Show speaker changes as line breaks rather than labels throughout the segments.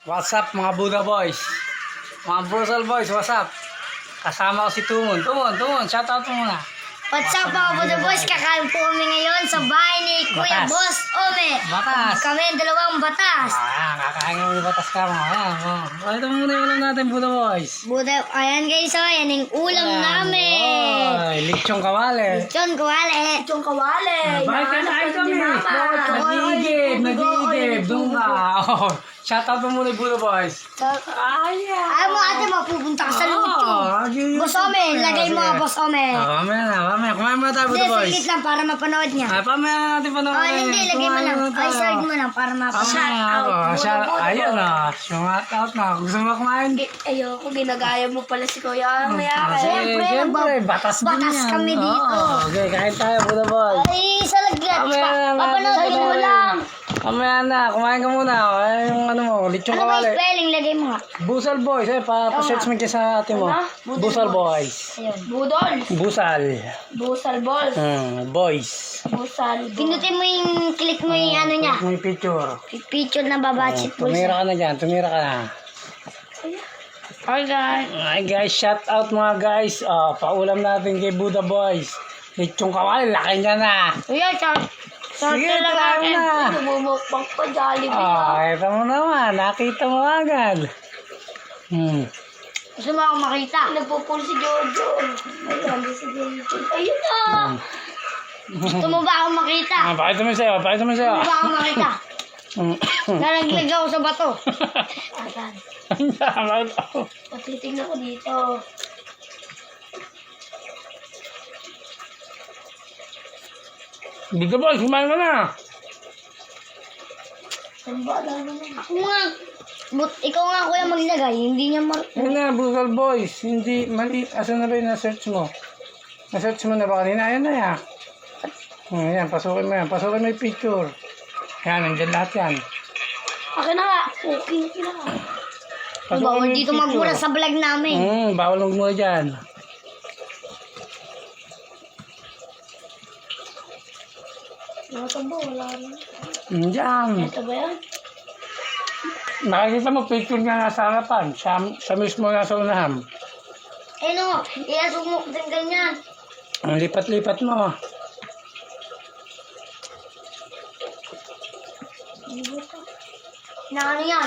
What's up mga Buddha Boys? Mga Brussel Boys, what's up? Kasama ko si Tumon. Tumon, shoutout mo muna.
What's up mga Buddha Boys? Kakain po kami ngayon sa bahay ni Kuya
Batas.
Boss Ome.
Batas.
Kami ang dalawang batas.
Ayan, kakain kami ng batas ka mo. Ayan, ito muna yung ulam natin, Buddha Boys.
Buddha, ayan guys, so yan yung ulam namin.
Oy, lechong kawali.
Lechon kawali. Lechon kawali.
Bakit kinain kami? Nag-iigib. Doon ka. Oh, shoutout mo muna yung Buddha Boys. Ayan.
Ayaw mo ate, mapupunta ka sa lechon. Boss Ome, lagay mo nga Boss Ome.
Mamaya. Kumain muna tayo,
Hindi,
Buddha Boys.
saglit lang para mapanood niya.
Pamaya natin panoorin.
Hindi, lagay mo lang. Ay, side mo lang para mapanood.
Ayun na. Shout out na. Gusto mo kumain?
Ayoko, ginagaya mo pala si Kuya.
Siyempre, batas din
batas
yan.
kami dito.
Okay, kain tayo, Buddha Boy.
Ay, sa lagyan.
Mamaya na.
Papanoodin mo lang.
Mamaya na. Kumain ka muna. Ay, yung ano mo, lechong
Ano ba yung
kawali.
spelling? Lagay mo nga.
Busal Boys. Pa-search mo kayo sa atin mo. Busal Boys.
Ayun.
Budol.
Busal.
Busal ball.
Boys.
Busal ball.
Pinutin mo yung, click mo yung ano niya.
May picture.
Picture na babatsit po
Tumira
siya.
ka na dyan. Tumira ka na. Hi guys, shout out mga guys. Paulam natin kay Buddha Boys. Lechong kawali, laki niya na.
Kuya,
Sige, tara na.
Namumukbang pa, Jollibee.
Ito mo naman. Nakita mo agad.
gusto mo akong makita.
Nagpupul si Jojo. Ayan, si Jojo. Ayun na.
Gusto mo ba akong makita?
Pakita mo sa'yo.
Gusto mo ba akong makita? Nalaglag ako sa bato.
Ayan. Patitignan ko dito.
Buddha Boys, kumain ka na.
Ang bala naman.
Ako nga. Ikaw nga kuya maglagay. Hindi niya
Yan na, Buddha Boys. Hindi, mali. Asan na ba yung na-search mo? Na-search mo na ba kanina? Ayan na yan. Ayan, pasukin mo yan. Pasukin mo yung picture. Ayan, nandyan lahat yan.
Akin na nga. Okay na nga.
Bawal dito magmura sa vlog namin.
Bawal magmura dyan.
Ito ba? Wala rin.
Diyan.
Ito ba yan?
Nakikita mo picture nga nasa harapan. Siya mismo nasa unahan.
Eh no, iasok mo din ganyan.
Ang lipat-lipat mo.
Na ano yan?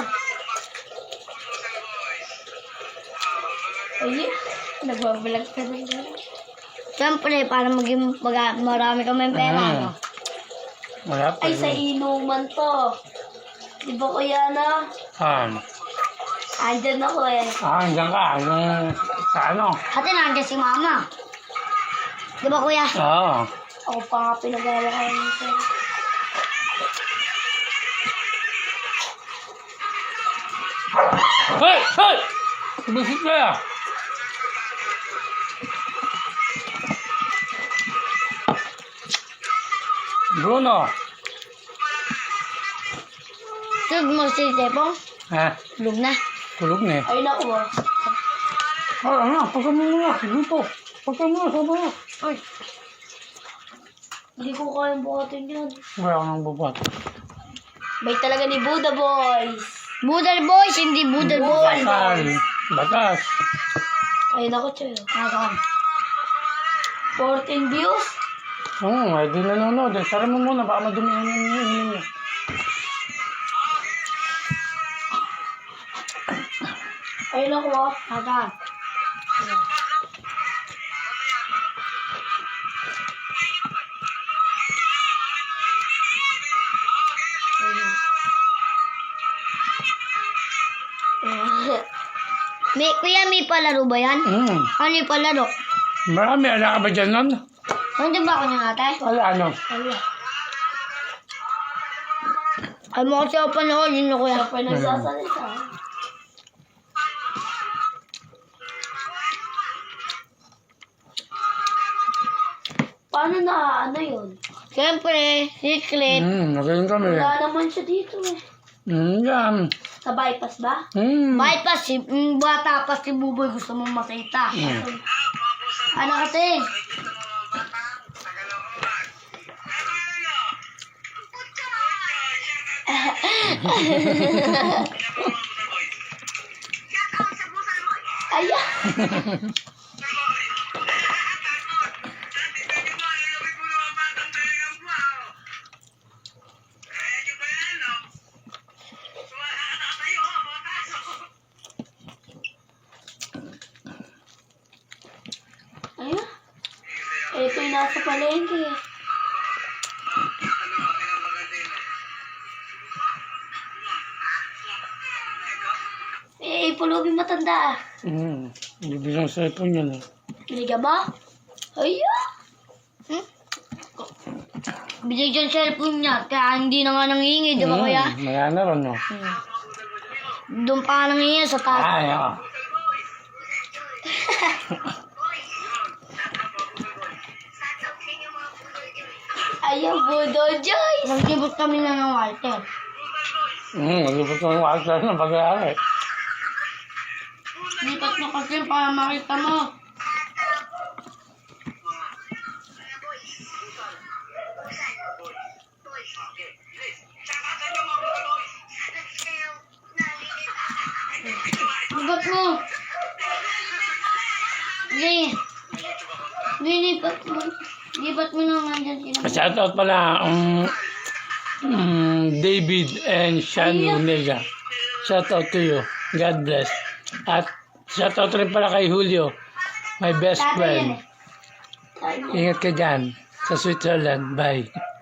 Ayun. Nagbabalag ka na dyan.
Siyempre, para maging marami kami pera. No?
Wala pa.
Ay, sa inuman to. Di ba kuya na? Andyan ako eh.
Andiyan ka. Sa ano?
Ate, nandiyan si mama. Di ba kuya?
Oo.
Ako pa nga pinagawa ko nito.
Hey! Hey! Bisit ka ya. Bruno.
Tulog mo si Tepong?
Ha?
Tulog na.
Tulog na eh.
Ay, naku ah.
Ano? Pagka mo nga. Dito. Pagka mo. Sama na.
Uy,
Hindi ko kayang buhatin yan.
Wala ka nang bubat.
May talaga ni Buddha Boys.
Budal boys, hindi budal boy.
Basal. Batas.
Ay, naku, Choy.
Nasaan?
14 views?
Ay di nanonood. Sara mo muna. Baka madumihan yung hinihin niya.
Ay, naku ah.
Nasaan? Kuya, may palaro ba yan? Ano yung palaro?
Marami. Ala ka ba dyan nun?
Nandiyan ba ako niya ate?
Wala ano?
Ay mo kasi ako panoodin na kuya.
Siya pa nagsasalita. Paano na ano yun?
Siyempre, secret.
Magaling kami.
Wala naman siya dito eh.
Yan.
Sa bypass ba?
Bypass, bata pa si Buboy gusto mong makita. Ano kasi?
Ayun. Ito yung nasa palengke. Pulubi matanda.
Hindi bilang cellphone yan eh.
Bili ka ba? Ayun.
Binigyan dyan cellphone niya, kaya hindi na nga nangihingi, di ba kuya?
Maya na ron, no?
Doon pa nga nangihingi sa taas.
Ay, oo.
Ayaw, Budo Joyce.
Nagsibot kami na ng Walter.
Malipot ko yung walter ng pag-aaral.
Lipat mo kasi para makita mo. Lipat mo. Hindi. Lipat mo. Lipat mo naman dyan sila.
Shoutout pala, David and Shanu Nega. Shoutout to you. God bless. At shoutout rin pala kay Julio, my best
Tatay yan
friend.
eh.
Ingat ka dyan sa Switzerland. Bye.